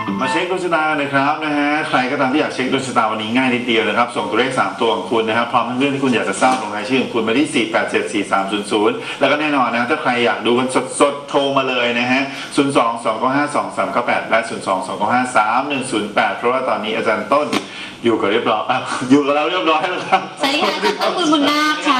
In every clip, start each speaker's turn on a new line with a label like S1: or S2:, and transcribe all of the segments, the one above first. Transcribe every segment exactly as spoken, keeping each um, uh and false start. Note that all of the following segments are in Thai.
S1: มาเช็คดวงชะตานะครับนะฮะใครก็ตามที่อยากเช็คดวงชะตาวันนี้ง่ายนิดเดียวนะครับส่งตัวเลขสามตัวของคุณนะครับพร้อมทั้งเรื่องที่คุณอยากจะทราบลงรายชื่อของคุณมาที่สี่ แปด เจ็ด สี่ สาม ศูนย์ ศูนย์แล้วก็แน่นอนนะถ้าใครอยากดูกันสดๆโทรมาเลยนะฮะศูนย์ สอง สอง เก้า ห้า สอง สาม เก้า แปดและศูนย์ สอง สอง เก้า ห้า สาม หนึ่ง ศูนย์ แปดเพราะว่าตอนนี้อาจารย์ต้นอยู่กับเรียบร้อยอยู่กับเราเรียบร้อยแล้วครับ
S2: สวัสดีค่ะอาจารย์ต้นบุญบุญนาคค่ะ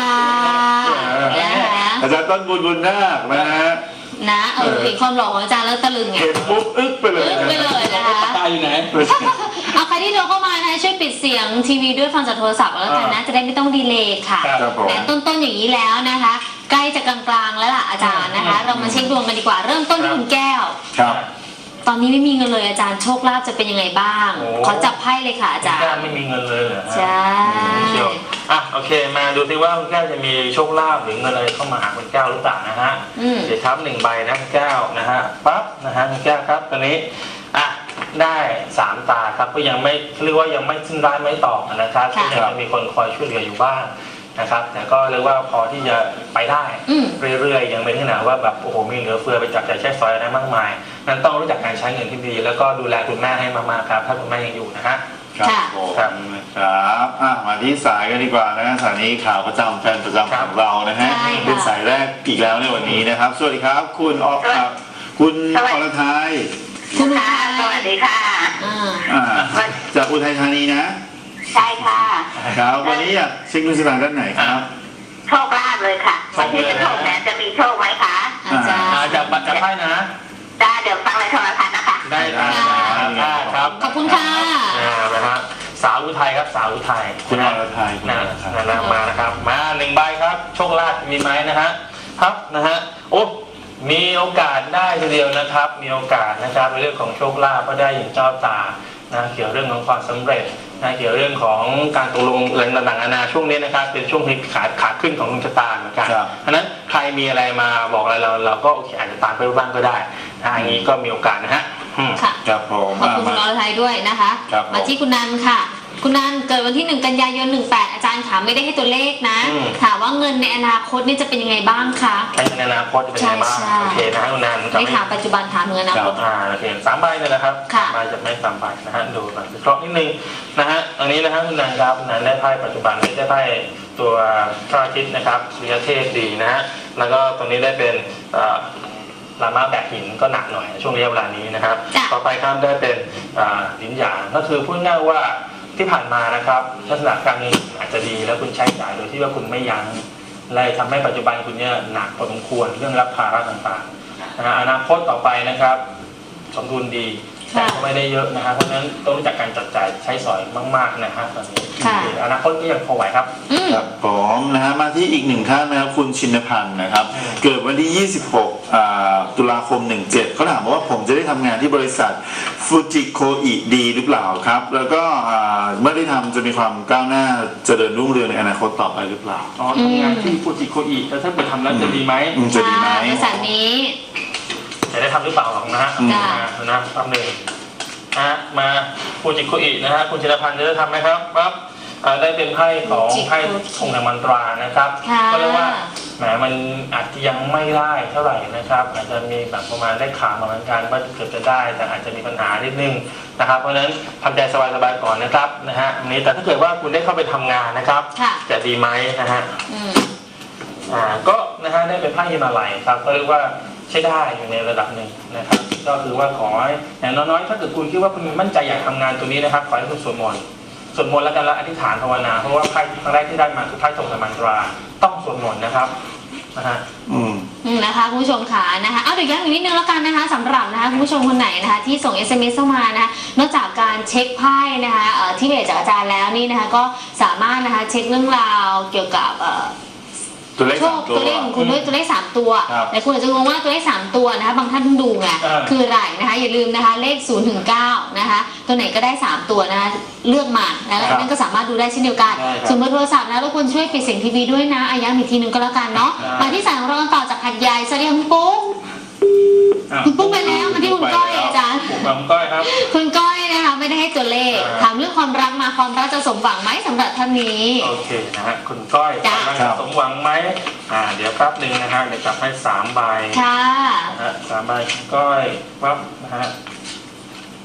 S1: อาจารย์ต้นบุญบุญนาคนะฮะ
S2: นะเออเห็นความหล่อของอาจารย์แล้วตะลึงไง
S1: เห็นปุ๊บอึ๊กไปเลย
S2: อึ๊กไปเลยนะคะ
S3: ตาอยู่ไหน
S2: เอาใครที่โทรเข้ามานะช่วยปิดเสียงทีวีด้วยฟังจากโทรศัพท์แล้วกันนะจะได้ไม่ต้องดีเลย์ค่ะแต่ต้นๆอย่างนี้แล้วนะคะใกล้จะกลางๆแล้วล่ะอาจารย์นะคะเรามาเช็คดวงกันดีกว่าเริ่มต้นที่คุณแก้ว
S1: ครับ
S2: ตอนนี้ไม่มีเงินเลยอาจารย์โชคลาภจะเป็นยังไงบ้างขอจับไพ่เลยค่ะอาจารย์
S3: คุณแก้วไม่มีเงินเลยเหรอ
S2: ใช่
S3: อ่ะโอเคมาดูซิว่าคุณแก้วจะมีโชคลาภหรือเงินอะไรเข้ามาหาคุณแก้วหรือเปล่านะฮะเดี๋ยวครับหนึ่งใบนะคุณแก้วนะฮะปั๊บนะฮะคุณแก้วครับตอนนี้อ่ะได้สามตาครับก็ยังไม่เรียกว่ายังไม่สิ้นร้ายไม่ต่อนะครับก็ยังมีคนคอยช่วยเหลืออยู่บ้างนะครับแต่ก็เรียกว่าพอที่จะไปได้เรื่อยๆยังไม่ถึงขนาดว่าแบบโอ้โหมีเหลือเฟือไปจับจ่ายใช้สอยอะไรมากมายนั้นต้องรู้จักการใช้เงินที่ดีแล้วก็ดูแลคุณแม่ให้มากๆครับถ้าคุณแม่ยังอยู่นะฮะ
S1: ครับผมครับอ่ะมาที่สายกันดีกว่านะสายนี้ข่าวประจำแฟนประจำของเรานะฮะเป็นสายแรกอีกแล้วในวันนี้นะครับสวัสดีครับคุณออกครับคุณอรทัย
S2: คุณ
S4: ค่ะสวัสดีค่ะ
S1: อ่าจากอุทัยธานีนะ
S4: ใช่ค่ะ
S1: ครับวันนี้อยากเช็คดวงชะตาด้านไหนครับ
S4: โชคลาภเลยค่ะวันที่จะโชคเนี่ยจะมีโชคไหมคะ
S2: อาจารย์
S3: จะบัตรจะไพ่นะ
S4: ได้เดี๋ยวฟังในโทรทัศน์นะคะ
S3: ได้ได้ครับ
S2: ขอบคุณค่ะ
S3: นะครับสาวอุทัยครับสาวอุทัย
S1: คุณอรทัย
S3: นะนะมานะครับมาหนึ่งใบครับโชคลาภมีไหมนะฮะครับนะฮะโอ้มีโอกาสได้ทีเดียวนะครับมีโอกาสนะครับในเรื่องของโชคลาภก็ได้อย่างเจ้าตานะเกี่ยวเรื่องของความสำเร็จนะเกี่ยวเรื่องของการตกลงเรื่องต่างๆนานาช่วงนี้นะครับเป็นช่วงที่ขาขาขึ้นของดวงชะตาเหมือนกันเพราะนั้นใครมีอะไรมาบอกอะไรเราเราก็โอเคอาจจะตามไปบ้างก็ได้นะอย่างนี้ก็มีโอกาสนะฮะ
S2: ค่ะ
S1: ครับผม
S2: ขอบคุณคุณอรทัยด้วยนะคะมาที่คุณนันค่ะคุณนันเกิดวันที่หนึ่งกันยายนหนึ่งแปดอาจารย์ถามไม่ได้ให้ตัวเลขนะถามว่าเงินในอนาคตนี่จะเป็นยังไงบ้างคะ
S3: ในอนาคตจะเป็นยังไงบ้างโอเคนะคุณนัน
S2: ไม่ถามปัจจุบันถามเงินอนาคต
S3: อ่าโอเคสามใบเลยนะครับใบจะไม่สามใบนะฮะดูก่อนวิเคราะห์นิดนึงนะฮะอันนี้นะฮะคุณนันครับคุณนันได้ไพ่ปัจจุบันได้ไพ่ตัวพระอาทิตย์นะครับสุริยเทพดีนะฮะแล้วก็ตรงนี้ได้เป็นลามาแบกหินก็หนักหน่อยช่วงระยะเวลานี้นะครับต่อไปครับได้เป็นหินหยางก็คือพูดง่ายว่าที่ผ่านมานะครับลักษณะการเงินอาจจะดีแล้วคุณใช้จ่ายโดยที่ว่าคุณไม่ยั้งเลยทำให้ปัจจุบันคุณเนี่ยหนักพอสมควรเรื่องรับภาระต่างๆนะอนาคตต่อไปนะครับสมดุลดีแต่ก็ไม่ได้เยอะนะฮะเพราะฉะนั้นต้องรู้จักการจัดจ่ายใช้สอยมากๆนะฮะตอนนี้อนาคตก็ยังพอไหวครับ
S1: ครับผมนะฮะมาที่อีกหนึ่งท่านนะครับคุณชินพันธ์นะครับเกิดวันที่ยี่สิบหกตุลาคมหนึ่งเจ็ดเขาถามว่าผมจะได้ทำงานที่บริษัทฟูจิโคอิดีหรือเปล่าครับแล้วก็เมื่อได้ทำจะมีความก้าวหน้าเจริญรุ่งเรืองในอนาคตต่อไปหรือเปล่า
S3: อ๋อทำงานที่ฟูจิโคอิแล้วถ้าไปทำแล้วจะดีไหม
S1: จะดีไหม
S2: บริษัทนี้
S3: จะได้ทำหรือเปล่าหรอกนะฮะนะแป๊บหนึ่งนะมาฟูจิโคอินะฮะคุณชินพันธ์จะได้ทำไหมครับปั๊บได้เป็นไพ่ของไพ่ธงแห่งมันตรานะครับก็เรียกว่าแหมมันอาจจะยังไม่ได้เท่าไหร่นะครับอาจจะมีแบบประมาณได้ข่าวมาเหมือนกันว่าเกือบจะได้แต่อาจจะมีปัญหานิดนึงนะครับเพราะฉะนั้นทำใจสบายๆก่อนนะครับนะฮะนี้แต่ถ้าเกิดว่าคุณได้เข้าไปทำงานนะครับจะดีไหมนะฮะอ่าก็นะฮะได้เป็นไพ่ฮิมาลัยครับก็เรียกว่าใช้ได้อยู่ในระดับหนึ่งนะครับก็คือว่าขออย่างน้อยๆถ้าเกิดคุณคิดว่าคุณมั่นใจอยากทำงานตัวนี้นะครับขอให้คุณสวดมนต์สวดมนต์แล้วกันละอธิษฐานภาวนาเพราะว่าไพ่ครั้งแรกที่ได้มาคือไพ่ธงแห่งมันตราต้องสวดมนต์นะครับนะฮะ
S2: อืมนะคะคุณผู้ชมค่ะนะคะเอาเดี๋ยวย้ำอีกนิดนึงแล้วกันนะคะสำหรับนะคะคุณผู้ชมคนไหนนะคะที่ส่ง เอส เอ็ม เอส เข้ามานะคะนอกจากการเช็คไพ่นะคะที่เบสจากอาจารย์แล้วนี่นะคะก็สามารถนะคะเช็คเรื่องราวเกี่ยวกับ
S1: ตัวเลข
S2: ตัวเลขของคุณด้วยตัวเลขสามตัวแต่คุณอาจจะงงว่าตัวเลขสามตัวนะคะบางท่านเพิ่งดูไงคืออะไรนะคะอย่าลืมนะคะเลขศูนย์ถึงเก้านะคะตัวไหนก็ได้สามตัวนะคะเลือกมาแล้วนั่นก็สามารถดูได้เช่นเดียวกันส่วนเบอร์โทรศัพท์นะรบกวนช่วยปิดเสียงทีวีด้วยนะอาย้ำอีกทีนึงก็แล้วกันเนาะมาที่สายของเราต่อจากหัดใหญ่สวัสดีคุณปุ๊กคุณปุ๊กไปแล้วมาที่คุณก้อยอาจารย์
S3: คุณก้อยครับ
S2: คุณก้อยนะคะไม่ได้ให้ตัวเลขถามเรื่องความรักมาความรักจะสมหวังไหมสำหรับท่านนี้
S3: โอเคนะฮะคุณก้อยความรักจะสมหวังไหมอ่าเดี๋ยวแป๊บหนึ่งนะฮะเดี๋ยวจับให้สามใบ
S2: ค่ะ
S3: นะฮะสามใบก้อยปั๊บนะฮะ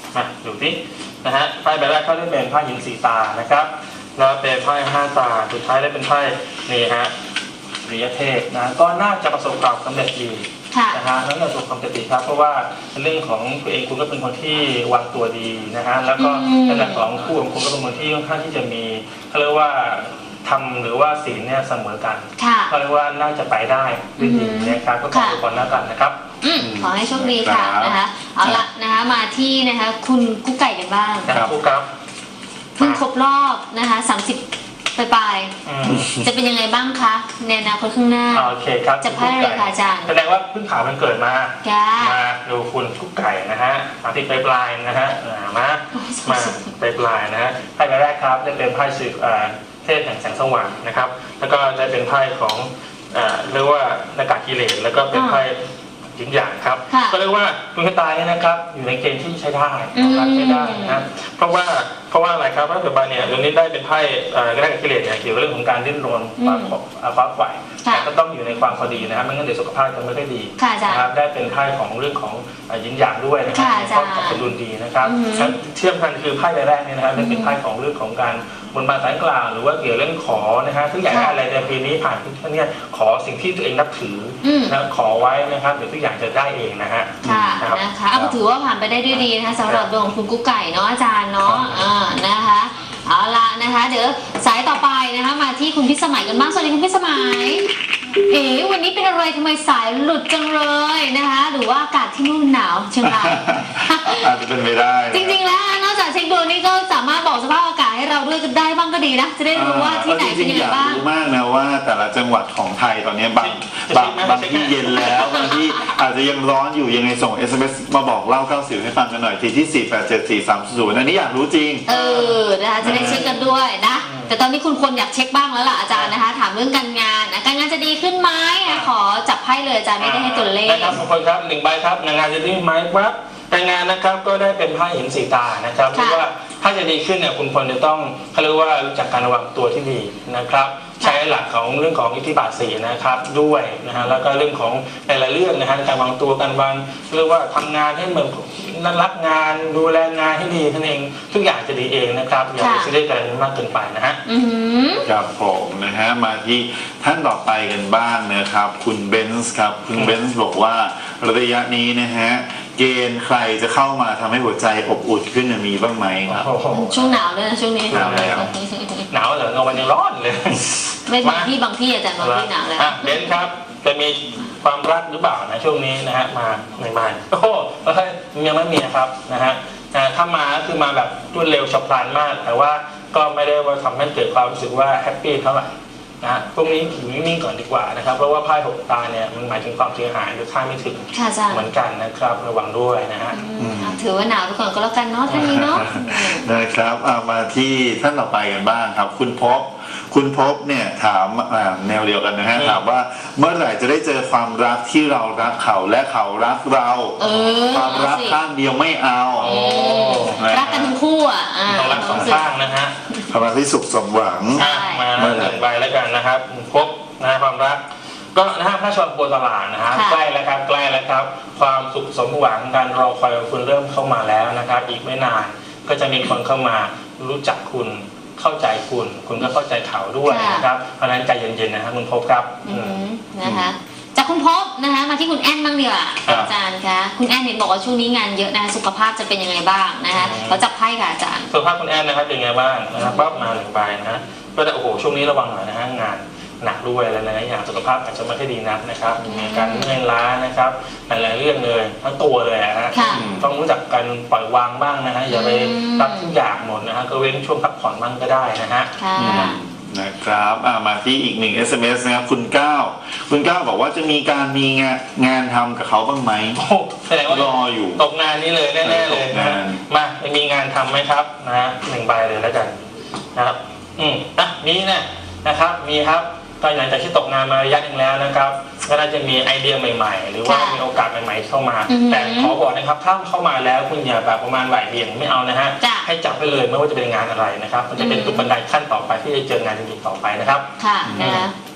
S3: มาดูสินะฮะไพ่ใบแรกเขาได้เป็นไพ่หินสีตานะครับแล้วเป็นไพ่ห้าตาสุดท้ายได้เป็นไพ่นี่ฮะริยเทพนะก็น่าจะประสบความสำเร็จดีนะฮะนั่นประสบความสำเร็จดีครับเพราะว่าเรื่องของตัวเองคุณก็เป็นคนที่วางตัวดีนะฮะแล้วก็ในเรื่องของคู่ของคุณก็เป็นคนที่ค่อนข้างที่จะมีเขาเรียกว่าทำหรือว่าศีลเนี่ยเสมอกันก็เรียกว่าน่าจะไปได้ด้วยดีนะครับก็ขออวยพรแล้วกันนะครับ
S2: ขอให้โชคดีค่ะนะคะเอาละนะคะมาที่นะคะคุณกุ๊กไก่กันบ้าง
S3: ครับครับ
S2: เพิ่งครบรอบนะคะสามสิบปลายๆจะเป็นยังไงบ้างคะในอนาคตข้างหน้า
S3: โอเคครับ
S2: จะพลาดอะไรคะอาจารย์
S3: แสดงว่าเพิ่งผ่านมันเกิดมามาดูคุณกุ๊กไก่นะฮะสามสิบปลายๆนะฮะมามาปลายๆนะฮะไพ่ใบแรกครับจะเป็นไพ่สืบเทพแห่งแสงสว่างนะครับแล้วก็ได้เป็นไพ่ของเรียกว่าอากาศกิเลสแล้วก็เป็นไพ่หยินหยางครับก็เรียกว่าดวงชะตาเนี่ยนะครับอยู่ในเกณฑ์ที่ใช้ได้นะครับใช้ได้นะเพราะว่าเพราะว่าอะไรครับเพราะปัจจุบันเนี่ยดวงนี้ได้เป็นไพ่กระแสกิเลสเนี่ยเกี่ยวกับเรื่องของการดิ้นรนฟ้าขอบฟ้าไฟแต่ก็ต้องอยู่ในความพอดีนะครับไม่งั้นเดี๋ยวสุขภาพจะไม่ค่อยดีนะครับได้เป็นไพ่ของเรื่องของหยินหยางด้วยนะครับก็สมดุลดีนะครับเชื่อมกันคือไพ่ใบแรกเนี่ยนะครับเป็นไพ่ของเรื่องของการบนบานสารกล่าวหรือว่าเกี่ยวเรื่องขอนะฮะทุกอย่างอะไรในปีนี้ผ่านทุกท่านเนี่ยขอสิ่งที่ตัวเองนับถือนะขอไว้นะครับเดี๋ยวทุกอย่างจะได้เองนะฮะ
S2: ค่ะนะคะเอาถือว่าผ่านไปได้ด้วยดีนะคะสำหรับดวงของคุณกุ๊กไก่เนาะอาจารย์เนาะอ่านะคะเอาละนะคะเดี๋ยวสายต่อไปนะคะมาที่คุณพิสมัยกันบ้างสวัสดีคุณพิสมัยเอ๋วันนี้เป็นอะไรทำไมสายหลุดจังเลยนะคะหรือว่าอากาศที่นู่นหนาวเชียงราย
S1: อาจจะเป็นไปได้
S2: จริงๆแล้วนอกจากเช็คดวงนี่ก็สามารถบอกสภาพอากาศให้เราด้วยก็ได้บ้างก็ดีนะจะได้รู้ว่าที่ไหนเป็นยังไงบ้าง
S1: อยากรู้มากนะว่าแต่ละจังหวัดของไทยตอนนี้บางบางบางที่เย็นแล้วบางที่อาจจะยังร้อนอยู่ยังไงส่ง เอส เอ็ม เอส มาบอกเล่าเก้าสิบให้ฟังกันหน่อยทีที่สี่ แปด เจ็ด สี่ สาม ศูนย์อันนี้อยากรู้จริง
S2: เออนะคะจะได้เช็คกันด้วยนะแต่ตอนนี้คุณควรอยากเช็คบ้างแล้วล่ะอาจารย์นะคะถามเรื่องการงานการงานจะดีขึ้นไหมขอจับไพ่เลยอาจารย์ไม่ได้ให้ตัวเลข
S3: นะครับทุกคนครับหนึ่งใบครับงานจะดีไหมครับการงานนะครับก็ได้เป็นไพ่หินสีตานะครับเพราะว่าถ้าจะดีขึ้นเนี่ยคุณควรจะต้องเขาเรียกว่ารู้จักการวางตัวที่ดีนะครับใช้หลักของเรื่องของอิทธิบาทสีนะครับด้วยนะฮะแล้วก็เรื่องของแต่ละเรื่องนะฮะการวางตัวการวางเรียกว่าทำงานให้เหมือนนั่นรักงานดูแลงานให้ดีท่านเองทุกอย่างจะดีเองนะครับอย่าไปซีเรียสกันมากเกินไปนะฮะ
S1: ครับผมนะฮะมาที่ท่านต่อไปกันบ้างนะครับคุณเบนซ์ครับคุณเบนซ์บอกว่าระยะนี้นะฮะเกณฑ์ใครจะเข้ามาทำให้หัวใจอบอุ่นขึ้นมีบ้างไหมครับ
S2: ช่วงหนาวเลยนะช่วงนี้
S3: หนาวแล้วหนาวเหรอเราวันยังร้อนเลย
S2: ไม่บางที่บางที่อาจารย์บางที่หนาวแล้ว
S3: เบนซ์ครับจะมีความรักหรือเปล่านะช่วงนี้นะฮะมาใหม่ๆโอ้โหยังไม่มีครับนะฮะถ้ามาคือมาแบบรวดเร็วฉับพลันมากแต่ว่าก็ไม่ได้ว่าทำให้เกิดความรู้สึกว่าแฮปปี้เท่าไหร่นะพวกนี้อยู่นิ่งๆก่อนดีกว่านะครับเพราะว่าไพ่หกตาเนี่ยมันหมายถึงความเสียหายหรือค่าไม่ถึงเหมือนกันนะครับระวังด้วยนะฮะ
S2: ถือว่าหนาวทุกคนก็แล้วกันเนาะท่านนี้เนาะ
S1: นะครับเอามาที่ท่านต่อไปกันบ้างครับคุณพบคุณพบเนี่ยถามแนวเดียวกันนะฮะถามว่าเมื่อไหร่จะได้เจอความรักที่เรารักเขาและเขารักเราความรักข้างเดียวไม่เอา
S2: รักกันทั้งคู่อ่ะ
S3: ต้องรักสองข้างนะฮะ
S1: ความรักที่สุขสมหวัง
S3: มาหนึ่งใบแล้วกันนะครับพบนะความรักก็นะฮะพระชนโปรตลาดนะฮะใกล้แล้วครับใกล้แล้วครับความสุขสมหวังการรอคอยของคุณเริ่มเข้ามาแล้วนะครับอีกไม่นานก็จะมีคนเข้ามารู้จักคุณเข้าใจคุณคุณก็เข้าใจเขาด้วยนะครับเพราะฉะนั้นใจเย็นๆนะครับคุณพบครับ
S2: นะคะจากคุณพบนะคะมาที่คุณแอนบ้างดีกว่าอาจารย์คะคุณแอนเห็นบอกว่าช่วงนี้งานเยอะนะสุขภาพจะเป็นยังไงบ้างนะคะเราจับไพ่ค่ะอาจารย์
S3: สุขภาพคุณแอนนะครับเป็นยังไงบ้างนะครับปั๊บมาหนึ่งใบนะก็แต่โอ้โหช่วงนี้ระวังหน่อยนะฮะงานหนักด้วยอะไรหลายอย่างสุขภาพอาจจะไม่ค่อยดีนักนะครับมีการเมื่อยล้านะครับหลายๆเรื่องเลยทั้งตัวเลยนะฮะต้องรู้จักการปล่อยวางบ้างนะฮะอย่าไปรับทุกอย่างหมดนะฮะก็เว้นช่วงพักผ่อนบ้างก็ได้นะฮะ
S1: นะครับมาที่อีกหนึ่ง เอส เอ็ม เอส นะครับคุณเก้าคุณเก้าบอกว่าจะมีการมีงานงานทำกับเขาบ้างไหม
S3: แสดงว่าร
S1: ออยู่
S3: ตกงานนี้เลยแน่ๆเลยนะมามีงานทำไหมครับนะฮะหนึ่งใบเลยแล้วกันนะครับอืมอ่ะมีนะนะครับมีครับก็หลังจากที่ตกงานมาระยะหนึ่งแล้วนะครับก็น่าจะมีไอเดียใหม่ๆหรือว่ามีโอกาสใหม่ๆเข้ามาแต่ขอบอกนะครับถ้าเข้ามาแล้วคุณอย่าแบบประมาณบ่ายเบี่ยงไม่เอานะฮะให้จับไปเลยไม่ว่าจะเป็นงานอะไรนะครับมันจะเป็นตุกบันไดขั้นต่อไปที่จะเจองานจริงๆต่อไปนะครับ
S2: ค่ะนะ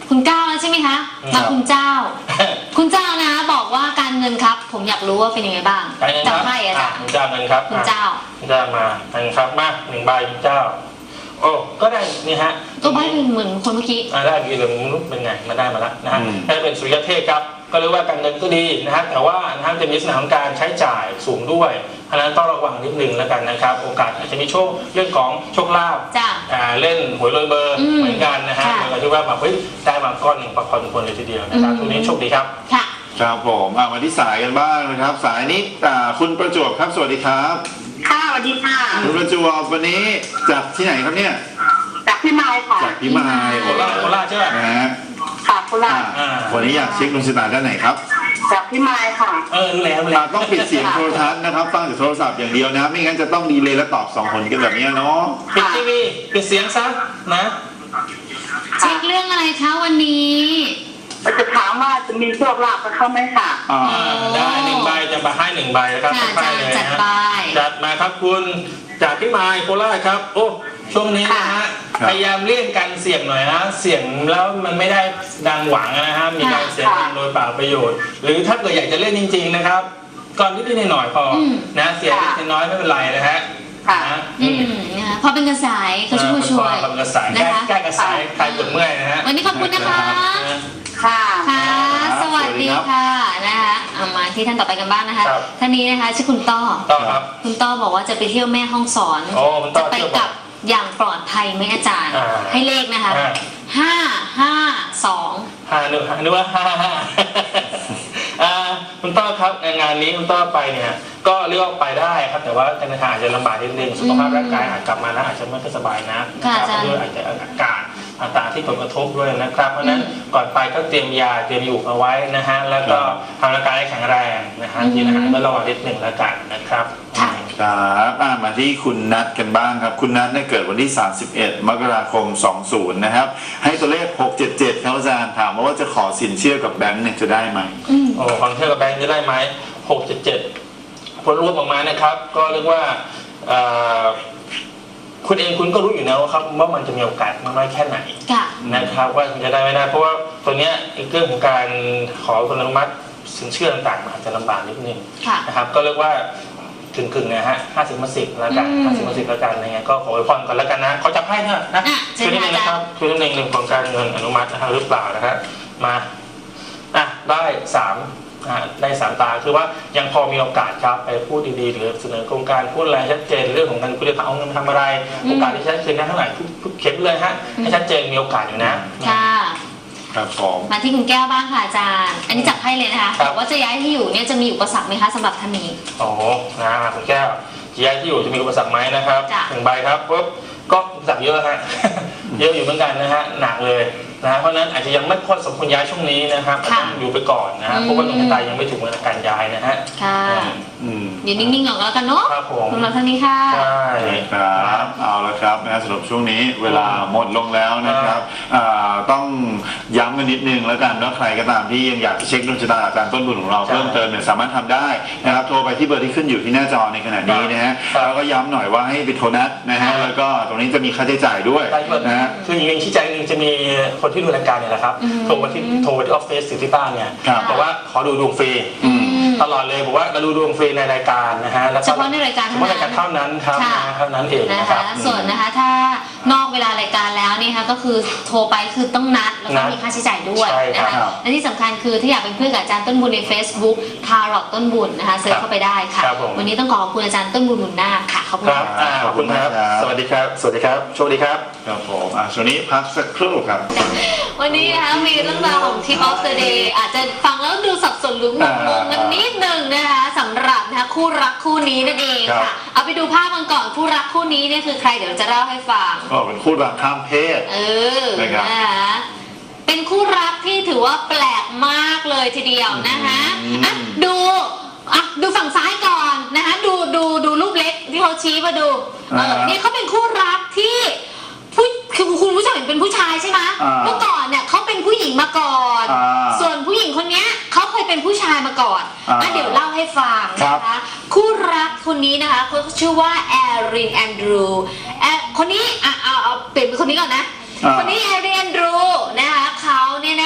S2: คุณเก้าแล้วใช่ไหมคะ
S3: ครั
S2: มา
S3: บ
S2: คุณเจ้า คุณเจ้านะบอกว่าการเงินครับ ผมอยากรู้ว่าเป็นยังไงบ้าง
S3: การเงินค
S2: จับ
S3: รับ
S2: ไพ่อาจารย์
S3: คุณเจ้าเงินครับ
S2: คุณเจ้า
S3: คุณเจ้ามาเงินครับมาหนึ่งใบคุณเจ้า โอ้ก็ได้นี่ฮะ
S2: ตัวไพ่เป็นเหมือนคนเมื่อกี้
S3: อ่าได้กี่เหลืองมนุษย์เป็นไงมาได้มาแล้วนะฮะ
S1: อืม
S3: ได้เป็นสุริยเทพครับก็เรียกว่าการเงินก็ดีนะฮะแต่ว่านะฮะจะมีลักษณะของการใช้จ่ายสูงด้วยเพราะฉะนั้นต้องระวังนิดนึงแล้วกันนะครับโอกาสอาจจะมีโชคเรื่องของโชคลาภ
S2: จ้ะ
S3: อ่าเล่นหวยลอยเบอร์
S2: อืม
S3: เหมือนกันนะฮะ
S2: ค่ะ
S3: เหมือนกับที่ว่าแบบเฮ้ยได้มาก้อนหนึ่งพอสมควรเลยทีเดียวนะครับ
S2: อืม
S3: ทุกนี้โชคดีครับ
S2: ค่ะ
S1: ครับผมอ่ะมาที่สายกันบ้างนะครับ สายนี้อ่าคุณประจวบครับสวัสดีครับ
S4: ค่ะสวัสดีค่ะ
S1: คุณประจวบวันนี้จากที่ไหนครับเนี่ย
S4: จากพี่ไม้ค่ะ
S1: จากพิมาย
S3: โคราชโคราชใช่ไหม
S1: นะฮะ
S4: ค่ะโครา
S1: อ่า
S4: ช
S3: อ่า
S1: วันนี้อยากเช็คดวงชะตาด้านไหนครับ
S4: จากพี่ไม้ค่ะ
S3: เออรู้แล้วรู้
S1: อ่า
S3: แล้ว
S1: ต้องปิดเสียงโทรทัศน์นะครับฟังจากโทรศัพท์อย่างเดียวนะไม่งั้นจะต้องดีเลย์และตอบสองคนกันแบบเนี้ยเนาะ
S3: ปิดทีวีปิดเสียงซะนะ
S2: เช็คเรื่องอะไรคะวันนี้
S4: เราจะถามว่าจะมีโชคลาภกับเขาไหมค่ะ
S1: อ่า
S3: อ่าได้หนึ่งใบจะมาให้หนึ่งใบนะครับ
S2: ค่ะ
S3: ไป
S2: อาจาร
S3: เล
S2: ย์
S3: ย
S2: จัด
S3: นะ
S2: ไป
S3: จัดมาครับคุณจากพี่ไมายโคราชครับโอ้ช่วงนี้นะฮะพยายามเลี่ยงการเสี่ยงหน่อยนะเสี่ยงแล้วมันไม่ได้ดังหวังนะฮะมีการเสียเงินโดยเปล่าประโยชน์ หรือถ้าเกิดอยากจะเล่นจริง ๆนะครับก่อนนิดๆหน่อยๆพออ
S2: ม
S3: นะเสียนิดน้อยไม่เป็นไรนะฮะ
S4: ค่ะ
S3: นะ
S2: อืมนะคะพอเป็นกระสายเขาช่วยช่วย
S3: ความกระสาย
S2: นะคะ
S3: แก้กระสายคลายปวดเมื่อยนะฮะ
S2: วันนี้ขอบคุณนะคะ
S4: ค่ะ
S2: ค่ะ สวัสดีค่ะนะคะเอามาที่ท่านต่อไปกันบ้างนะคะ
S3: ครับ
S2: ท่านนี้นะคะชื่อคุณต้อ
S3: ต่อครับ
S2: คุณต้อบอกว่าจะไปเที่ยวแม่ห้องสอน
S3: โอ้คุณต้
S2: จะ
S3: อ
S2: ไป
S3: เที่ยว
S2: ก
S3: บ่
S2: ลั
S3: อย
S2: บอย่างปลอดภัยไหมอาจารย์
S3: อ่า
S2: ให้เลขนะคะ
S3: อ่า
S2: ห้าห้าสอง
S3: ห้านึกนึกว่าห้าห้าอ่าคุณต้อครับงานนี้คุณต้อไปเนี่ยก็เรียกว่าไปได้ครับแต่ว่าการเดินทางอาจจะลำบากนิดนึงสุขภาพร่างกายอาจกลับมาแล้วอาจจะไม่ค่อยสบายนะนะครับด้วยอาจจะอากาศต่างๆที่ผลกระทบด้วยนะครับเพราะฉะนั้นก่อนไปก็เตรียมยาเตรียมอยู่เอาไว้นะฮะแล้วก็ทำร่างกายให้แข็งแรงนะฮะกินอาหารก็ระวังนิดหนึ่งแล้วกันนะครับ
S2: ค่ะ
S1: ครับอ่ะมาที่คุณนัทกันบ้างครับ คุณนัทเนี่ยเกิดวันที่ สามสิบเอ็ด มกราคม สองสิบ นะครับ ให้ตัวเลข หกเจ็ดเจ็ดครับอาจารย์ถามมาว่าจะขอสินเชื่อกับแบงค์เนี่ยจะได้ไหม
S2: อืม
S3: โอ้ฟังเที่ยวกับแบงค์จะได้ไหมหกเจ็ดเจ็ดผลรวมออกมานะครับ ก็เรียกว่าเอ่อคุณเองคุณก็รู้อยู่แล้วครับว่ามันจะมีโอกาสมากน้อยแค่ไหน
S2: ค่ะ
S3: นะครับว่าจะได้ไม่ได้ เพราะว่าตัวเนี้ยเรื่องของการขออนุมัติสินเชื่อต่างๆอาจจะลำบากนิดนึง
S2: ค่ะ
S3: นะครับก็เรียกว่ากึ่งๆนะฮะห้าสิบมาสิบแล้วกัน
S2: อืม
S3: ห้าสิบมาสิบแล้วกันอะไรเงี้ยก็ขออวยพรก่อนแล้วกันนะเขาจับให้เถอะนะ
S2: อ่ะเชิ
S3: ช่วย
S2: ญ
S3: นิดนึง
S2: ค่ะ
S3: นะครับช่วยนิดนึงเรื่องของการเงินอนุมัตินะครับหรือเปล่านะครับมาอ่ะได้สามอ่ะได้สามตาคือว่ายังพอมีโอกาสครับไปพูดดีๆหรือเสนอโครงการพูดอะไรชัดเจนเรื่องของการคุณจะเอาเงินมาทำอะไร
S2: อืม
S3: โอกาสที่ชัดเจนได้เท่าไหร่ทุกๆเข็มเลยฮะให้ชัดเจนมีโอกาสอยู่นะ
S2: ค่ะ
S1: ครับผม
S2: มาที่คุณแก้วบ้างค่ะอาจารย์ อันนี้จับให้เลยนะคะ
S3: ครับ
S2: บอกว่าจะย้ายที่อยู่เนี่ยจะมีอุปสรรคไหมคะสำหรับท่านนี้
S3: โอ้โหนะคุณแก้วจีไอที่อยู่จะมีอุปสรรคไหมนะครับ
S2: จ้ะ
S3: หนึ่งใบครับปุ๊บก็อุปสรรคเยอะฮะ เยอะอยู่เหมือนกันนะฮะหนักเลยนะฮะเพราะฉะนั้นอาจจะยังไม่ค่อยสมควรย้ายช่วงนี้นะครับอาจจะอยู่ไปก่อนนะฮะเพราะว่าดวงชะตายังไม่ถึงเวลาการย้ายนะฮะ
S2: ค่ะ
S1: อืม
S2: อยู่นิ่งๆก่อนก็แล้วกันเนาะ
S3: ครับผม
S2: สำหรับท่านนี้ค่ะ
S3: ใช่
S1: ครับเอาละครับนะสำหรับช่วงนี้เวลาหมดลงแล้วนะครับอ่าต้องย้ำกันนิดนึงแล้วกันว่าใครก็ตามที่ยังอยากจะเช็คดวงชะตาอาจารย์ต้นบุญของเรา
S3: ใช่
S1: เพิ่มเติมเนี่ยสามารถทำได้นะครับโทรไปที่เบอร์ที่ขึ้นอยู่ที่หน้าจอในขณะนี้นะฮะ
S3: ครับ
S1: แล้วก็ย้ำหน่อยว่าให้ไปโทรนัดนะฮะ
S3: ครับ
S1: แล้วก็ตรงนี้จะมีค่าใช้จ่ายด้วย
S3: ได้ด้วย
S1: นะฮะ
S3: คืออย่างหนึงชี้แจงหนึงจะมีคนที่ดูรายการเนี่ยแหละครับ
S2: อืม
S3: โทรมาที่โทรมาที่ออฟฟิศหรือที่บ้านเนี่ย
S1: ครับ
S3: บอกว่าขอดูดวงฟรี
S1: อืม
S3: ตลอดเลยบอกว่าเราดูดวงฟรีในรายการนะฮะแล้วก็
S2: เฉพาะในรายการ
S3: เฉ
S2: เท่า
S3: พาะรายการ
S2: นั้น
S3: เท่านั้นครับ
S2: ค่ะ
S3: นะเท่านั้นเอง
S2: นะ
S3: นะค
S2: คะ
S3: รับ
S2: ส่วนนะคะถ้านอกเวลารายการแล้วนี่ค่ะก็คือโทรไปคือต้องนัดแล้วก็
S3: นัด
S2: มีค่าใช้จ่ายด้วย
S3: ใช่
S2: นะ
S3: ครั
S2: คะ
S3: บ
S2: และที่สำคัญคือถ้าอยากเป็นเพื่อนกับอาจารย์ต้นบุญใน Facebook ทารอตต้นบุญนะคะเซิร์ชเข้าไปได้ค่ะ
S3: ครับผม
S2: วันนี้ต้องขอขอบคุณอาจารย์ต้นบุญบุญนาคค่ะขอบคุณ
S3: ครับ
S2: ค่ะ
S3: อ่าขอบคุณครับ สวัสดีครับ สวัสดีครับ โชคดีครับ
S1: ครับผมอ่ะช่วงนี้พักสักครู่ครับ
S2: วันนี้นะคะมีเรื่องราวของ Tip of the Day อาจจะฟังแล้วดูสับสนหรืองงๆกันนิดนึงนะคะสำหรับนะคะคู่รักคู่นี้นั่นเอง
S1: ครับ
S2: ค่ะ เอาไปดูภาพกันก่อนคู่รักคู่นี้เนี่ยคือใครเดี๋ยวจะเล่าให้ฟัง
S1: ก็เป็นคู่รักข้ามเพศ
S2: เออ
S1: นะครับ
S2: นะคะเป็นคู่รักที่ถือว่าแปลกมากเลยทีเดียวนะคะ
S1: อืม
S2: อ่ะดูอ่ะดูฝั่งซ้ายก่อนนะคะดูดูดูรูปเล็กที่เขาชี้มาดูเออนี่เขาเป็นคู่รักที่ผู้คือคุณผู้ชมเห็นเป็นผู้ชายใช่ไหม
S1: อ่า
S2: เมื่อก่อนเนี่ยเขาเป็นผู้หญิงมาก่อน
S1: อ่า
S2: ส่วนผู้หญิงคนเนี้ยเขาเคยเป็นผู้ชายมาก่อน
S1: อ่า
S2: อ่ะเดี๋ยวเล่าให้ฟัง
S1: ครับ
S2: นะคะคู่รักคนนี้นะคะเขาชื่อว่าแอรินแอนดรูแอคนนี้อ่ะเอาเอาเปลี่ยนเป็นคนนี้ก่อนนะ
S1: อ่า
S2: คนนี้แอรินแอนดรูนะคะเขา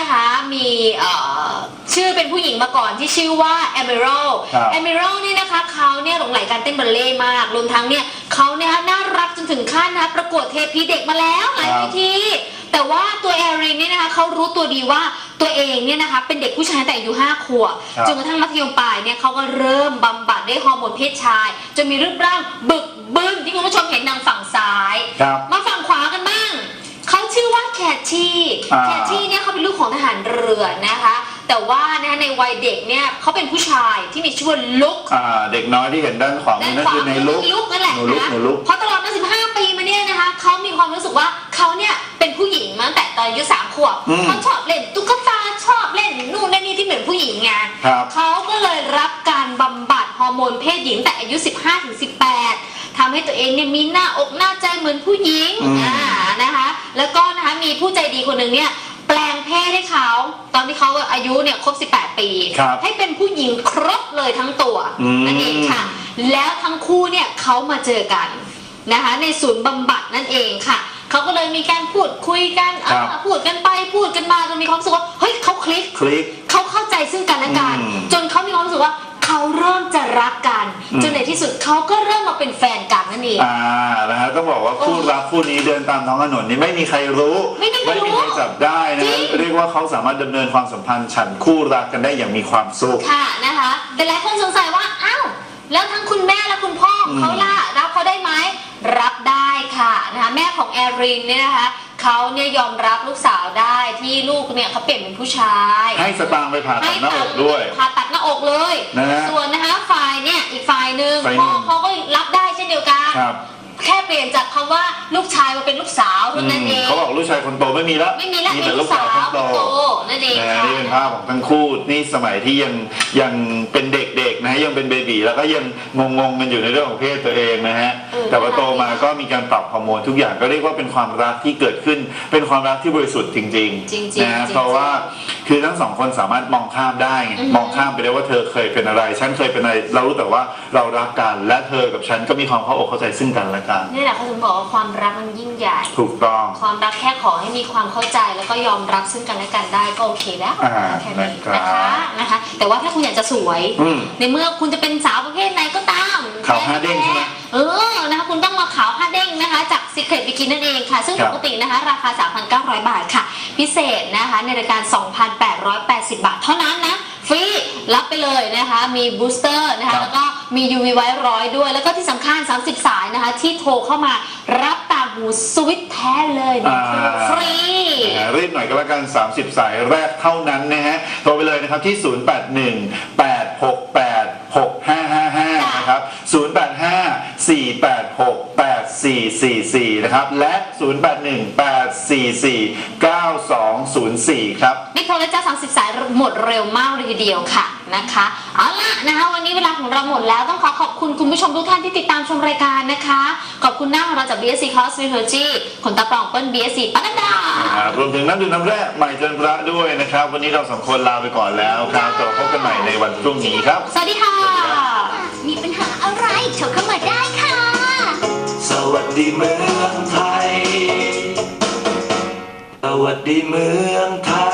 S2: นะคะมีเอ่อชื่อเป็นผู้หญิงมาก่อนที่ชื่อว่าแอมิรัล
S1: ครับ
S2: แอมิรัลนี่นะคะเขาเนี่ยหลงไหลการเต้นบัลเล่ต์มากรวมทั้งเนี่ยเขาเนี่ยน่ารักจนถึงขั้นนะประกวดเทพีเด็กมาแล้วหลายเวทีแต่ว่าตัวแอรินเนี่ยนะคะเขารู้ตัวดีว่าตัวเองเนี่ยนะคะเป็นเด็กผู้ชายแต่อายุห้าขวบจนกระทั่งมัธยมปลายเนี่ยเขาก็เริ่มบำบัดด้วยฮอร์โมนเพศชายจนมีรูปร่างบึกบึนที่คุณผู้ชมเห็นทางฝั่งซ้าย
S1: ครับ
S2: มาฝั่งขวากันบ้างเขาชื่อว่าแคทชี่
S1: อ่า
S2: แคทชี่เนี่ยเขาเป็นลูกของทหารเรือนะคะแต่ว่านะในวัยเด็กเนี่ยเขาเป็นผู้ชายที่มีชื่อว่าลุก
S1: อ่าเด็กน้อยที่เห็นด้านขวามื
S2: ด้า
S1: อน นั่น
S2: ขวา
S1: คือในลุก
S2: ลุกนั่นแหละ
S1: หนูลุก
S2: นะ
S1: หนูลุก
S2: เพราะตลอดมาสิบห้าปีมาเนี่ยนะคะเขามีความรู้สึกว่าเขาเนี่ยเป็นผู้หญิงมาตั้งแต่ตอนอายุสามขวบ
S1: อืม
S2: เขาชอบเล่นตุ๊กตาชอบเล่นนู่นนั่นนี่ที่เหมือนผู้หญิงไง
S1: ครับ
S2: เขาก็เลยรับการบำบัดฮอร์โมนเพศหญิงแต่อายุ สิบห้าถึงสิบแปด ทำให้ตัวเองเนี่ยมีหน้าอกหน้าใจเหมือนผู้หญิง
S1: อืม
S2: อ่านะคะแล้วก็นะคะมีผู้ใจดีคนหนึ่งเนี่ยแปลงเพศให้เขาตอนที่เขาอายุเนี่ยครบสิบแปดปี
S1: ครับ
S2: ให้เป็นผู้หญิงครบเลยทั้งตัว
S1: อืม
S2: นั่นเองค่ะ แล้วทั้งคู่เนี่ยเขามาเจอกันนะคะในศูนย์บำบัดนั่นเองค่ะเขาก็เลยมีการพูดคุยกัน
S1: ครับ
S2: อ่าพูดกันไปพูดกันมาจนมีความรู้สึกว่าเฮ้ยเขาคลิก
S1: คลิก
S2: เขาเข้าใจซึ่งกันและกัน
S1: อืม
S2: จนเขามีความรู้สึกว่าเขาเริ่มจะรักกัน
S1: อืม
S2: จนในที่สุดเขาก็เริ่มมาเป็นแฟนกันนั่นเอง
S1: อ่านะฮะต้องบอกว่าคู่รักคู่นี้เดินตามท้องถนนนี่ไม่มีใครรู้
S2: ไม่มีใครรู้
S1: มีใครจับได้นะ
S2: จริง
S1: เรียกว่าเขาสามารถดำเนินความสัมพันธ์ฉันคู่รักกันได้อย่างมีความสุข
S2: ค่ะนะคะแต่หลายคนสงสัยว่าอ้าวแล้วทั้งคุณแม่และคุณพ่อของเขาล่ะรับเขาได้ไหมรับได้ค่ะนะคะแม่ของแอรินเนี่ยนะคะเขาเนี่ยยอมรับลูกสาวได้ที่ลูกเนี่ยเขาเปลี่ยนเป็นผู้ชาย
S1: ให้สตางค์ไปผ่าตัดหน้าอกด้วย
S2: ผ่าตัดหน้าอกเลย
S1: นะฮะ
S2: ส่วนนะคะฝ่ายเนี่ยอีกฝ่ายหนึ่ง
S1: ฝ่ายหนึ่
S2: พ่อง เขาก็รับได้เช่นเดียวกัน
S1: ครับ
S2: แค่เปลี่ยนจากคำว่าลูกชายมาเป็นลูกสาวเท่านั้นเอง
S1: เขาบอกลูกชายคนโตไม่มีแล้ว
S2: ไม่มีแล้ว
S1: มี
S2: มี
S1: แต่
S2: ลู
S1: ลู
S2: ก
S1: ก
S2: สา
S1: สาว วคน
S2: คน
S1: โต
S2: โตนั่นเอง
S1: นะฮะ
S2: ค่ะ
S1: นี่เป็นภาพของทั้งคู่นี่สมัยที่ยังยังเป็นเด็กๆนะฮะยังเป็นเบบีแล้วก็ยังงงๆกันอยู่ในเรื่องของเพศตัวเองนะฮะแต่พอโตมาก็มีการปรับฮอร์โมนทุกอย่างก็เรียกว่าเป็นความรักที่เกิดขึ้น เป็นความรักที่บริสุทธิ์จริง
S2: จริง
S1: ๆ
S2: ๆ
S1: นะฮะ
S2: จริงๆ
S1: เพราะว่าคือทั้งสองคนสามารถมองข้ามได้ไง
S2: อือฮึ
S1: มองข้ามไปได้ว่าเธอเคยเป็นอะไรฉันเคยเป็นอะไรเรารู้แต่ว่าเรารักกันและเธอกับฉันก็มีความเข้าอกเข้าใจซึ่งกันและกัน
S2: นี่แหละเขาถึงบอกว่าความรักมันยิ่งใหญ่
S1: ถูกต้อง
S2: ความรักแค่ขอให้มีความเข้าใจแล้วก็ยอมรับซึ่งกันและกันได้ก็โอเคแล้ว
S1: อ่า
S2: แค่นี้
S1: นะครับ
S2: นะคะนะคะ แต่ว่าถ้าคุณอยากจะสวย
S1: อืม
S2: ในเมื่อคุณจะเป็นสาวประเภทไหนก็ตาม
S1: ขาวห้าเด้งใช่ไหม
S2: เออนะคะคุณต้องมาขาวห้าเด้งนะคะจาก Secret Bikini นั่นเองค่ะ ซึ่ง
S1: ครั
S2: ป
S1: บ
S2: กตินะคะราคา สามพันเก้าร้อย บาทค่ะ พิเศษนะคะในรายการ สองพันแปดร้อยแปดสิบ บาทเท่านั้นนะฟรีรับไปเลยนะคะมีบูสเตอร์นะคะแล้วก็มี ยู วี ไว้ร้อยด้วยแล้วก็ที่สำคัญสามสิบสายนะคะที่โทรเข้ามารับต่างหูสวิตแท้เลยนะ
S1: อ่า
S2: ฟรี
S1: นะฮะรีบหน่อยก็แล้วกันสามสิบสายแรกเท่านั้นนะฮะโทรไปเลยนะครับที่ ศูนย์ แปด หนึ่ง แปด หก แปด หก ห้า ห้า ห้า นะครับ ศูนย์ แปด ห้า สี่ แปด หก แปด สี่ สี่ สี่ นะครับและ ศูนย์ แปด หนึ่ง แปด สี่ สี่ เก้า สอง ศูนย์ สี่ ครับ
S2: นี่โทรแล้วจ้าสามสิบสายหมดเร็วมากเลยทีเดียวค่ะนะคะเอาล่ะนะคะวันนี้เวลาของเราหมดแล้วต้องขอขอบคุณคุณผู้ชมทุกท่านที่ติดตามชมรายการนะคะขอบคุณหน้าของเราจาก บี เอส ซี Cosmetology ขนตาปลอมเปิ้ล บี เอส ซี ปนัดดา
S1: นะครับรวมถึงน้ำดื่มน้ำแร่ใหม่จันทระด้วยนะครับ วันนี้เราสองคนลาไปก่อนแล้วครับต่อพบกันใหม่ในวันพรุ่งนี้ครับ
S2: สวัสดีค่ะ
S5: มีปัญหาอะไรโทรเข้ามาได้ค่ะ
S6: สวัสดีเมืองไทย สวัสดีเมืองไทย